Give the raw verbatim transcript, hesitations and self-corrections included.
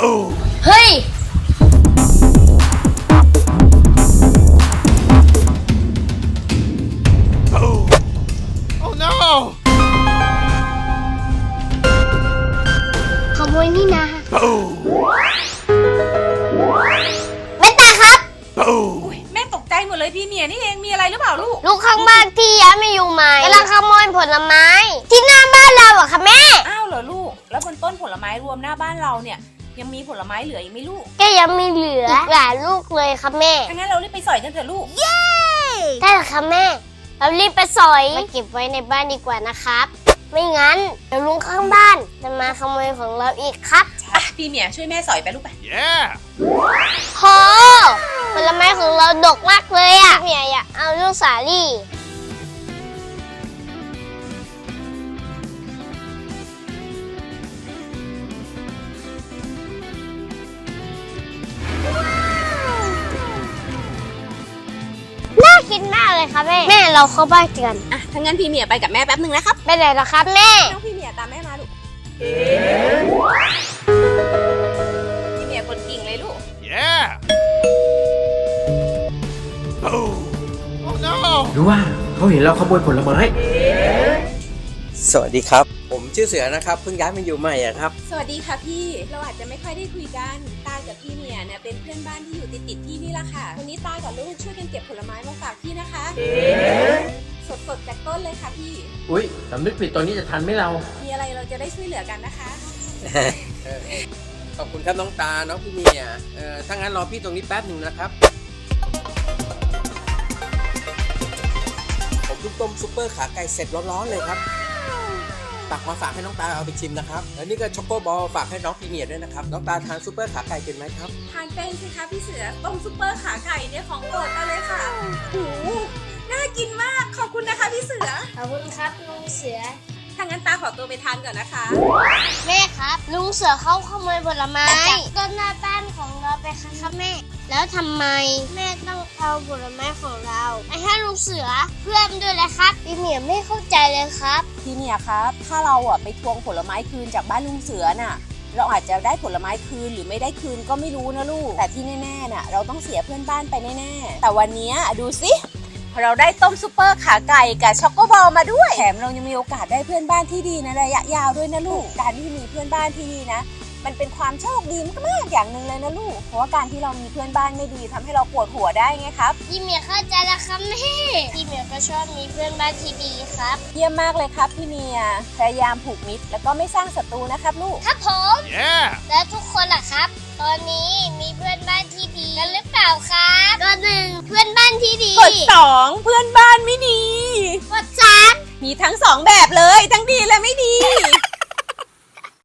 เฮ้ยขโมยนี่นะแม่ตาครับแม่ตกใจหมดเลยพี่เมียนี่เองมีอะไรหรือเปล่าลูกลูกข้างบ้านที่ย้ายมาอยู่ใหม่กำลังขโมยผลไม้ ที่หน้าบ้านเราอะค่ะแม่อ้าวเหรอลูกแล้วบนต้นผลไม้รวมหน้าบ้านเราเนี่ยยังมีผลไม้เหลืออีกไหมลูกก็ยังมีเหลืออีกหลายลูกเลยครับแม่งั้นเรารีบไปสอยกันเถอะลูกเย้ได้เหรอครับแม่เรารีบไปสอยมาเก็บไว้ในบ้านดีกว่านะครับไม่งั้นเดี๋ยวลุงข้างบ้านจะมาขโมยของเราอีกครับอ่ะพี่เมียช่วยแม่สอยไปลูกไป yeah โหผลไม้ของเราดกมากเลยอ่ะพี่เมียอยากเอาลูกสาลี่น่ากินมากเลยครับแม่แม่เราเข้าบ้านกันอ่ะถ้างั้นพี่เมียไปกับแม่แป๊บนึงนะครับไปไหนเหรอครับแม่น้องพี่เมียตามแม่มาลูกพี่เมียคนกิ่งเลยลูก yeah oh no หรือว่าเขาเห็นเราขโมยผลไม้สวัสดีครับผมชื่อเสือนะครับเพิ่งย้ายมาอยู่ใหม่อะครับสวัสดีค่ะพี่เราอาจจะไม่ค่อยได้คุยกันตากับพี่เมียเนี่ยเป็นเพื่อนบ้านที่อยู่ติดติดที่นี่ละค่ะวันนี้ตากับลูกช่วยกันเก็บผลไม้มาฝากพี่นะคะสดๆจากต้นเลยค่ะพี่อุ๊ยสำนึกผิดตอนนี้จะทันไหมเรามีอะไรเราจะได้ช่วยเหลือกันนะคะขอบคุณครับน้องตาน้องพี่เมียเอ่อถ้างั้นรอพี่ตรงนี้แป๊บหนึ่งนะครับผมเพิ่งต้มซุปเปอร์ขาไก่เสร็จร้อนๆเลยครับตักมาฝากให้น้องตาเอาไปชิมนะครับแล้วนี่ก็ช็อกโกบอลฝากให้น้องพี่เมียด้วยนะครับน้องตาทานซุปเปอร์ขาไก่เป็นไหมครับทานเป็นสิคะพี่เสือต้มซุปเปอร์ขาไก่เนี่ยของโปรดเราเลยค่ะโอ้โหน่ากินมากขอบคุณนะคะพี่เสือขอบคุณครับลุงเสือถ้างั้นตาขอตัวไปทานก่อนนะคะแม่ครับลุงเสือเขาขโมยผลไม้ต้นหน้าบ้านของเราไปค่ะครับแม่แล้วทำไมแม่ต้องเอาผลไม้ของเราไปให้ลุงเสือเพื่อนด้วยเลยครับพี่เหมียไม่เข้าใจเลยครับพี่เมียครับถ้าเราอ่ะไปทวงผลไม้คืนจากบ้านลุงเสือน่ะเราอาจจะได้ผลไม้คืนหรือไม่ได้คืนก็ไม่รู้นะลูกแต่ที่แน่ๆน่ะเราต้องเสียเพื่อนบ้านไปแน่ๆแต่วันนี้ดูสิเราได้ต้มซุปเปอร์ขาไก่กับช็อกโกบอลมาด้วยแถมเรายังมีโอกาสได้เพื่อนบ้านที่ดีในระยะยาวด้วยนะลูกการที่มีเพื่อนบ้านที่ดีนะมันเป็นความโชคดีมากๆอย่างหนึ่งเลยนะลูกเพราะว่าการที่เรามีเพื่อนบ้านไม่ดีทำให้เราปวดหัวได้ไงครับพี่เมียเข้าใจแล้วครับแม่พี่เมียก็ชอบมีเพื่อนบ้านที่ดีครับเยี่ยมมากเลยครับพี่เมียพยายามผูกมิตรแล้วก็ไม่สร้างศัตรูนะครับลูกครับผม yeah และทุกคนล่ะครับตอนนี้มีเพื่อนบ้านที่ดีกันหรือเปล่าครับกดหนึ่งเพื่อนบ้านที่ดีกดสองเพื่อนบ้านไม่ดีกดสามมีทั้งสองแบบเลยทั้งดีและไม่ดี